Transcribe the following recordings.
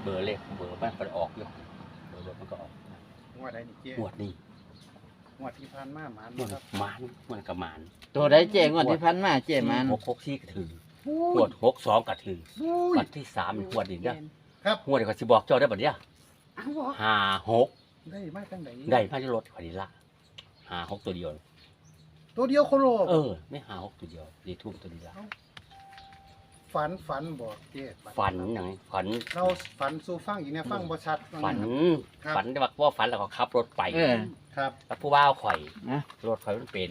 บอร์เลขเบอร์มันออกอยู่เบอร์มันก็ออกงวดใดนี่เจ๊งวดนี้งวดที่ผ่านมาหมานงวดครับมันกับหมานตัวใดเจ๊งวดที่พันมาเจ๊มัน 664ก็ถือหวด62ก็ถือวันที่3งวดนี้เด้อครับงวดนี้ก็สิบอกเจ้าได้บัดเนี้ยอ้าวบ่ 56 ได้มาจังไดได้มาที่รถข่อยนี่ละ56ตัวเดียวตัวเดียวโคโลไม่56ตัวเดียวดีทุ่มตัวนี้ละฝันบ่เจ๊ฝันหยังฝันเราฝันสู่ฟังอีกเนี่ยฟังบ่ชัดฝันครับฝันแต่ว่าฝันแล้วก็ขับรถไปครับแล้วผู้บ่าวข่อยนะรถข่อยมันเป็น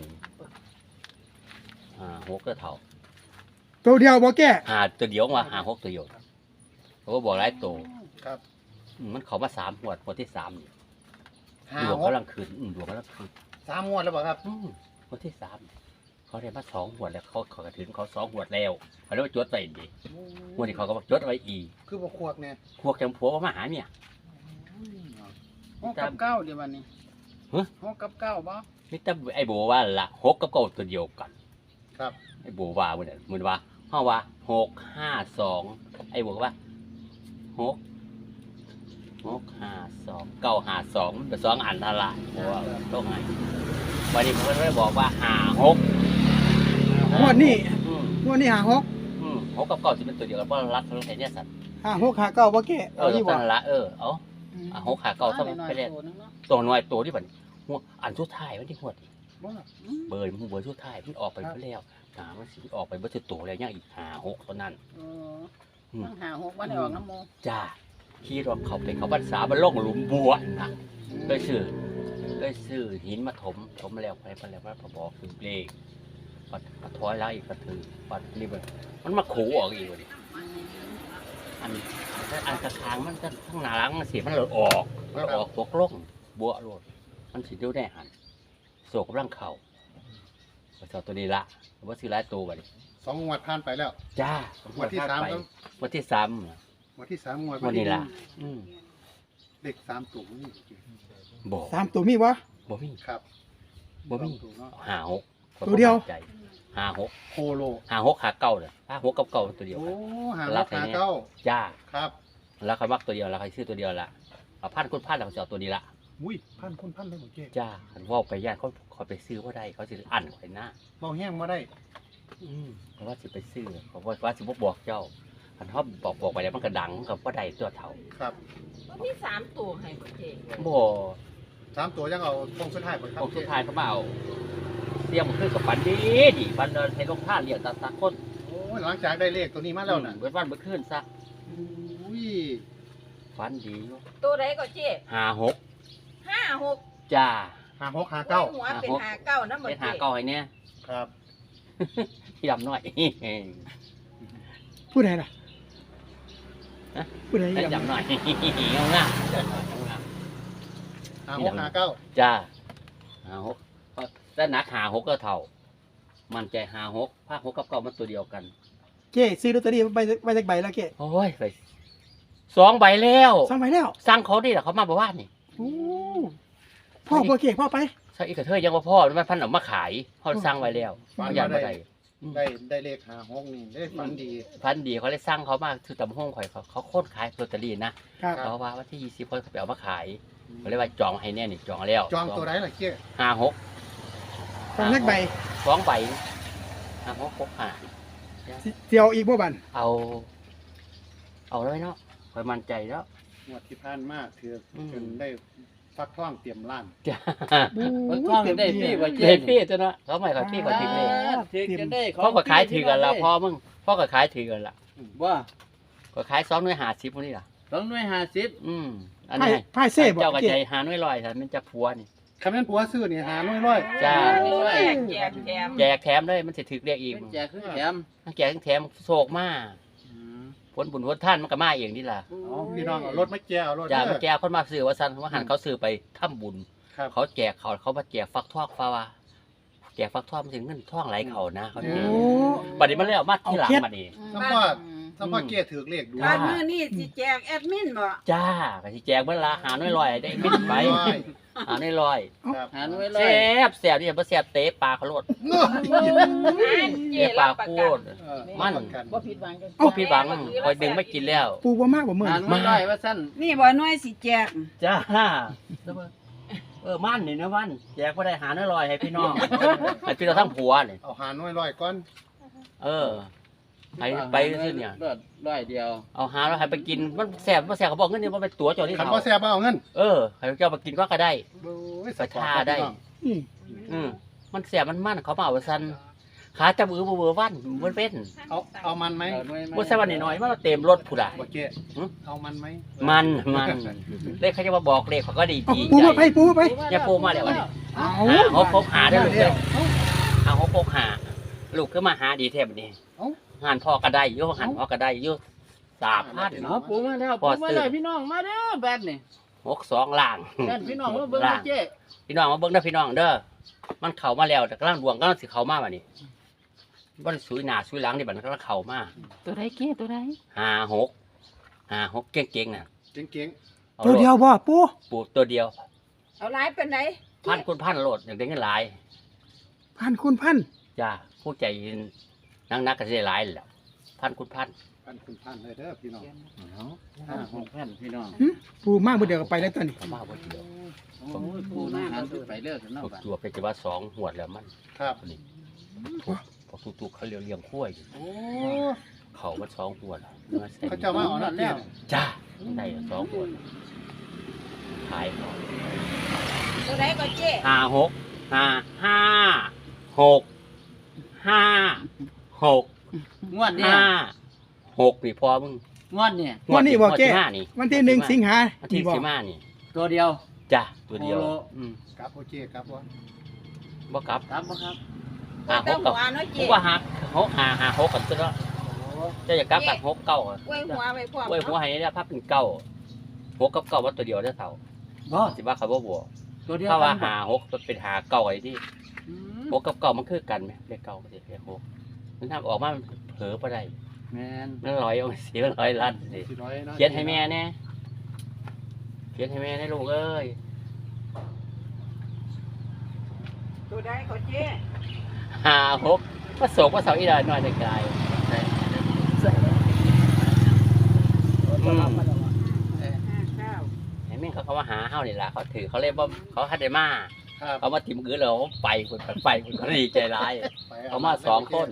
6ก็เท่าตัวเดียวบ่แก้ตัวเดียวว่า6ตัวเดียวเขาก็บอกหลายตัวครับมันเขามา3งวดที่3นี่ห้าดวงหกกำลังขึ้นดวงกำลังขึ้น 3งวดแล้วบ่ครับงวดที่3เขาได้มา2งวดแล้วเขากระถึงเขา2งวดแล้วเขาเลยว่าจดไว้ดีงวดนี้เขาก็บอกจดไว้อีกคือบ่ควกเนี่ยพวกจังผัวมาหาเมีย 6 กับ 9เดี๋ยววันนี้ฮะ 6 กับ 9บ่นี่แต่ไอ้โบว่าละ6กับ9ตัวเดียวกันครับไอ้โบว่าเหมือนว่าเฮาว่า652ไอ้โบว่า652 มันเป็น2อันทละเพราะว่าต้องไงวันนี้ผมก็เลยบอกว่า56 งวดนี้อืมงวดนี้ 6กับ9สิเป็นตัวเดียวกันเพราะรักทั้งไทยเนี่ยสัตว์ 56 59บ่แก้เอานี่ตับ่วละเอา6ขา9เท่านั้นไปแล้วตัวน้อยตัวที่บัดหัวอันสุดท้ายมันที่หัวดิบ่เบอร์มันเบอร์สุดท้ายมันออกไปแล้วมันสิออกไปบ่สิตัวแล้วยังอีก56เท่านั้นต้องหา6วันได้ออกน้ำโมจ้าขี่รถเขาไปเขาพรรษามันลงหลุมบัวนะเคยซื้อหินมาถมมาแล้วไปแล้วพอบอกคือเลขปัดถอยแล้วอีกก็ถือปัดนี่มันมาขู่ออกอีกเลยอันกระทางมันจะข้างหน้าหลังมันสีมันหลุดออกตกลงบัวหลุดมันสีดูได้หันโศกกำลังเข่าเจ้าตัวนี้ละว่าซื้อหลายตัวไป 2งวดผ่านไปแล้วจ้างวดที่3ครับวันที่3 งวดที่3งวดวันนี้ละเลข3ตัวนี่บ่ 3ตัวมีบ่บ่มีครับบ่มีตัวเนาะ 56 ตัวเดียว 56 โคโล 56ขาเก่าเลย56กับเก่าตัวเดียวโอ้กันหาราคาเก้าจ้าครับแล้วเขามักตัวเดียวแล้วใครซื้อตัวเดียวละเอาพันคุณพันแล้วเขาจะเอาตัวนี้ละอุ้ยพันคนพันเลยบ่เจ๊จ้าคันว่าไปย่านเขาไปซื้อว่าได้เขาสิอันไว้หน้าเบาแห้งบ่ได้เพราะว่าสิไปซื้อเขาว่าสิบ่บอกเจ้าคันเขาบอกไปแล้วมันก็ดังกับว่าได้ตัวเท่าครับมันมี3ตัวให้บ่เจ๊บ่ 3ตัวยังเอาตรงสุดท้ายบ่ครับพวกสุดท้ายเขามาเอาเสียมขึ้นกับฝันดีฝันเดินให้ลงท่าเรียกตาคนโอ้ยหลังจากได้เลขตัวนี้มาแล้วน่ะเบิดวันเบิดคืนซะอุ้ยฝันดีอยู่ตัวใดก็เจ๊ 56 56 จ้าหาหกหาเก้าหัวเป็น59นำบ่เป็นเจ๊หาเก่าให้เนี่ยครับพี่ดำน้อยผู้ใดล่ะฮะผู้ใดได้ยังจำหน่อย เอาง่ายหาหกหาเก้าจ้า56แต่หนัก56ก็เท่า มันใจ56ภาค6กับ9มันตัวเดียวกันเก้ซื้อลอตเตอรี่ไปจากใบแล้วเก้โอ้ยไป2 ใบแล้วสั่งไปแล้วสั่งเขาดิล่ะเขามาบอกว่านี่โอ้พ่อบ่เก้พ่อไปใช่อีกกระเทยยังว่าพ่อมันพันออกมาขายเขาสั่งไว้แล้วเขาอยากมาได้ได้เลขหาหกนี่ได้ฝันดีพันดีเขาเลยสั่งเขามาคือตำห้องข่อยเขาโค่นขายลอตเตอรี่นะครับ เขาว่าวันที่20เขาไปเอามาขายเขาเลยว่าจองให้แน่นี่จองแล้วจองตัวไหนล่ะเจ๊ 56 สั่งจากใบ 2 ใบ56 65 เสียวอีกบ่บันเอาเลยเนาะคอยมั่นใจแล้วงวดที่ผ่านมาถือจนได้ฟักทองเตรียมร้านจ้ามันต้องได้พี่ว่าเจ๊เด็ดพี่จ้ะเนาะเขาไม่ขายพี่ขอทิ้งเลยถึงจะได้พ่อก็ขายถือกันละพ่อมึงพ่อก็ขายถือกันละว่าก็ขาย2 หน่วย50พวกนี้ล่ะ 2หน่วย50 อันไพ่นี้ไพ่เซ่บ่เจ้าก็เก้ใจหาหน่วยลอยแต่มันจะพัวนี่คำนั้นผัวซื้อนี่หาน้อยร้อยจ้าแจกแถมแจกแถมเลยมันสิถึกเรียกอีกเป็นแจกคือแถมทั้งแจกทั้งแถมโศกมาผลบุญผลท่านมันก็มาเองนี่ล่ะอ๋อพี่น้องเอารถมาแก้วรถจ้าเด้มันอแจกคนมาซื้อว่าซั่นว่าหันเขาซื้อไปทำบุญครับเขาแจกเขามาแจกฟักทองฟ้าว่าแจกฟักทองมันถึงเงินทองไหลเขานะเขาแจกโอ้บัดนี้มันเลยเอามาที่หลังบัดนี้คำว่าถ้าพ่อเก้ถือเลขดูบ้านมื้อนี้สิแจกแอดมินบ่จ้าก็สิแจกเบิ่ละหาน้อยลอยได้มินไปหาน้อยลอยครับหาหน่วยเลแซ่ยบแซ่บนี่บ่แซ่บเตะปลาเขาโลดเจ๊เตะปลารับประคูกัดนมันบ่ผิดหวังกันบ่ผิดหวังคอยดึงไม่กินแล้วปูบ่มากบ่มื้อหานี้หน่วยร้อยว่าซั่นนี่บ่น้อยสิแจกจ้ามันนี่นะมันแจกบ่ได้หาน้อยลอยให้พี่น้องให้พี่น้องทั้งผัวนี่เอาหาหน่วยร้อยก่อนไปซื่อเนี่ยร้อยเดียวเอาหาแล้วให้ไปกินมันแซ่บบ่แซ่บเขาบอกเงินนี่บ่เป็นตั๋วจอที่คันเขาบ่แซ่บเอาเงินให้เจ้ามากินก็ได้โอ้ยไปทาได้อืมมันแซ่บมันเขามาเอาซั่นขาจับมือบ่วันมันเป็นเอามันไหมเอาหน่วยบ่ใช่วันน้อยๆมันเต็มรถพุ่นล่ะบ่เก้เอามันไหมมันเลขเขาจะมาบอกเลขเขาก็ดีเอาดีปูใจมาไปปูมาไปอย่าปูมาแล้ววันนี้เอาหาพกหาได้ลูกเลยหาพกหาลูกขึ้นมาหาดีแท้บัดนี้หันพ่อก็ได้อยู่หันพ่อก็ได้อยู่3,000 เอาปูมาแล้วพอปูมาซื้อเลยพี่น้องมาเด้อแบดนี่ 62ล่างแบดพี่น้องมาเบิ่งนะเจ๊พี่น้องมาเบิ่งเด้อพี่น้องเด้อมันเข้ามาแล้วแต่กำลังดวงกำลังสิเข้ามาบัดนี้บ่ได้สุยหน้าสุยหลังนี่บัดนั้นกำลังเข้ามาตัวใดเจ๊ตัวใด 56เก่งๆน่ะเก่งอาตัวเดียวบ่ปูปลูกตัวเดียวเอาหลายเป็นไหนพันคุณพันโลดอย่างเด็กกันหลายพันคุณพันจ้าผู้ใจนักก็จะหลายแหล้วพันคุณพันๆพันคุณพันเลยเด้อพี่น้อง 6,000พี่น้องปูมากบ่เดียวก็ไปแล้วตอนนี้เขามาบ่เดียวโอ้ยปูมาหาซื้อไปเลิกกันเนาะพวกบัดตัวเป็นจะว่า2หวดแล้วมันครับนี่พวกตุกๆเขาเลี้ยงขั้วอยู่โอ้เขามัน2หวดเขาเจ้ามาเอาน้ำแล้วจ้าได้2หวดขายเขาตัวใดก็เจ๊ 56 งวดเนี่ย 6นี่พอมึงงวดเนี่ยวันนี้บ่เก้งวดที่ห้านี่วันที่1สิงหาวันที่บ่ 15นี่ตัวเดียวจ้าตัวเดียวโอ้ครับโอเคครับว่าบ่กลับครับบ่ครับตัวแต่หัวน้อยผเจ๊มว่าหกกันซะแล้วจะอยากกลับกัน6 9 ไว้หัวไว้พร้อมไว้หัวให้ได้พับเป็น9 6กับ9ว่าตัวเดียวได้เท่าบ่สิว่าเขาบ่บวกตัวเดียวถ้าว่ากันบ่ 6มันเป็น9ไอ้ที่อืม 6กับ9มันคือกันไหมเลข9มันสิเลข6มันทำออกมาเผลอบ่ได้แม่นมันลอยเอาเสียลอยลั่นสิ 400เนาะเขียนให้แม่แน่เขียนให้แม่แน่ลูกเอ้ยตัวใดก็เจ๊ 6ว่าโศกว่าเสาอีดาน้อยได้กลายอืม 59 ให้แม่เขามาหาเฮานี่ล่ะเขาถือเขาเรียกว่าเขาหัดได้มาครับเขามาถิ่มกือเราไปคนไปคนก็ดีใจร้ายไปเขามา2 คน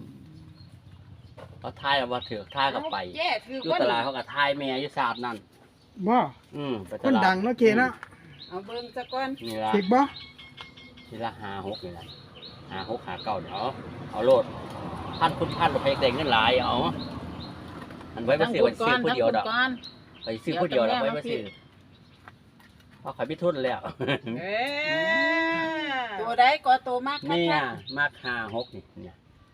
เขาทายเอาว่าถือทายกับไปเจ๊คืออยู่คนตลาดเขากับทายแม่อยู่ศาสตร์นั่นบ่ไปตคนลาดดังเนาะเก้เนาะเอาเบิ่งซะก่อนนี่ละถูกบ่นี่ละ56นี่ละ56 59เดี๋ยวเอาโลดพันคุณพันเราไปแต่งเงินหลายเอามันไว้ไปซื้อไว้ซื้อผู้เดียวดอกไปซื้อผู้เดียวดอกไว้ไปซื้อเพราะขายพิทุนแล้วเอ้ตัวใดก็ตัวมากเนี่ยมาก56นี่เนี่ย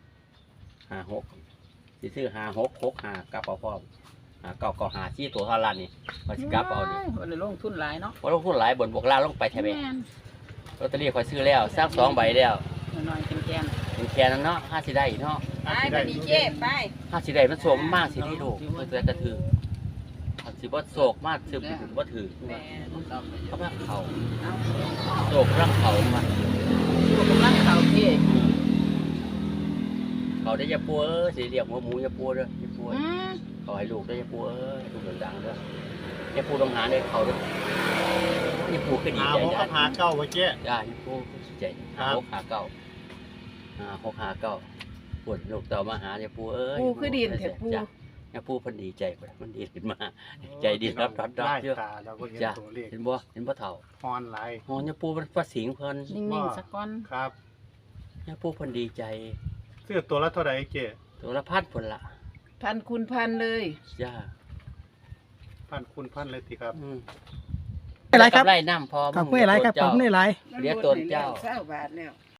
56สิซื้อ5665กลับเอาพร้อม9ก็หาที่ตัวเท่าล้านนี่มาสิกลับเอาดิบ่ได้ลงทุนหลายเนาะว่าลงทุนหลายบนบวกล่างลงไปแทบไม่ลอตเตอรี่คอยซื้อแล้วสร้าง2 ใบแล้วน้อยๆแกนเป็นแค่นั้นเนาะห้าสิได้เนาะไปบัดนี้เจ๊ไปห้าสิได้มันโศกมากสิที่ลูกมันจะกระถือถ้าสิบ่โศกมากสิบ่ถือแม่ๆครับเขาพาเขาเอาโศกรักเขามาอยู่กำลังเข้าเจ๊เขาได้ยาปัวสิเรียกหัวหมูยาปัวเด้อยาปัวเขาให้ลูกได้ยาปัวลูกดังๆเด้อยาปัวต้องหาได้เขาเด้อยาปัวก็ดีหาใจหกกับหาเก้าไว้เจ้ได้ยาปัวก็ดีใจ6 5 9ปวดลูกเต่ามาหายาปัวเอ้ยปูคือดินเถอะปูจ้ะยาปัวเพิ่นดีใจพุ่นมันดีขึ้นมา ใจดีรับได้เยอะตาเราก็เห็นจ้ะตัวเลขเห็นบ่เฒ่าฮอนไลน์โหยาปูมันประสิงเพิ่นนิ่งๆสักก่อนครับยาปูเพิ่นดีใจซื้อตัวละเท่าไหร่เจ้ตัวละพันพุ่นละพันคุณพันเลยจ้าพันคุณพันเลยสิครับอะไรครับกำไรน้ำพอขอบคุณหลายครับขอบคุณหลายเรียกตัวเจ้าเศร้าบาทแล้ว